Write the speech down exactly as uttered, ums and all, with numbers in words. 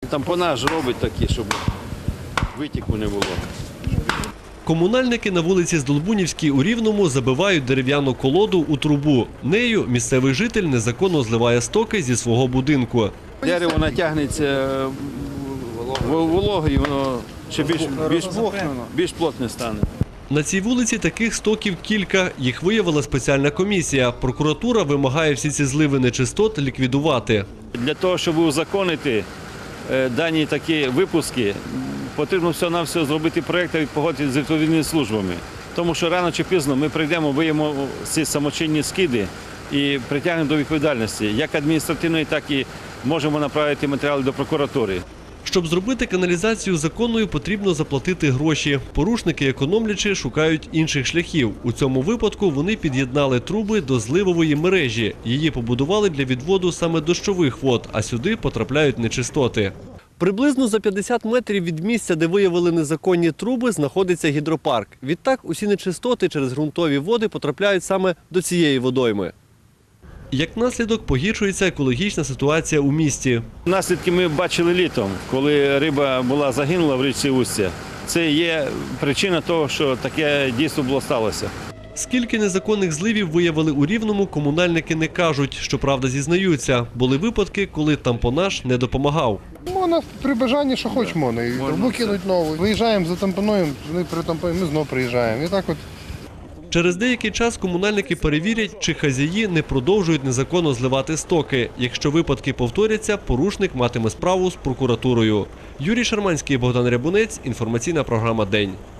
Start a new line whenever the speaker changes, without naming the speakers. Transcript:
Тампонаж робить такі, щоб витіку не було.
Комунальники на вулиці Здолбунівській у Рівному забивають дерев'яну колоду у трубу. Нею місцевий житель незаконно зливає стоки зі свого будинку.
Дерево натягнеться вологою, воно ще більш, більш, більш плотне стане.
На цій вулиці таких стоків кілька. Їх виявила спеціальна комісія. Прокуратура вимагає всі ці зливи нечистот ліквідувати.
Для того, щоб узаконити дані такі випуски, потрібно все-навсього зробити проєкт і погодити з відповідними службами. Тому що рано чи пізно ми прийдемо, виявимо ці самочинні скиди і притягнемо до відповідальності, як адміністративної, так і можемо направити матеріали до прокуратури.
Щоб зробити каналізацію законною, потрібно заплатити гроші. Порушники, економлячи, шукають інших шляхів. У цьому випадку вони під'єднали труби до зливової мережі. Її побудували для відводу саме дощових вод, а сюди потрапляють нечистоти. Приблизно за п'ятдесят метрів від місця, де виявили незаконні труби, знаходиться гідропарк. Відтак усі нечистоти через ґрунтові води потрапляють саме до цієї водойми. Як наслідок, погіршується екологічна ситуація у місті.
Наслідки ми бачили літом, коли риба була загинула в річці Устя. Це є причина того, що таке дійство було сталося.
Скільки незаконних зливів виявили у Рівному, комунальники не кажуть. Щоправда, зізнаються, були випадки, коли тампонаж не допомагав.
Можна при бажанні, що хоч можна. І трубу кинуть нову. Виїжджаємо, затампонуємо, вони притампонуємо, ми знову приїжджаємо. І так от.
Через деякий час комунальники перевірять, чи хазяї не продовжують незаконно зливати стоки. Якщо випадки повторяться, порушник матиме справу з прокуратурою. Юрій Шарманський, Богдан Рябунець. Інформаційна програма «День».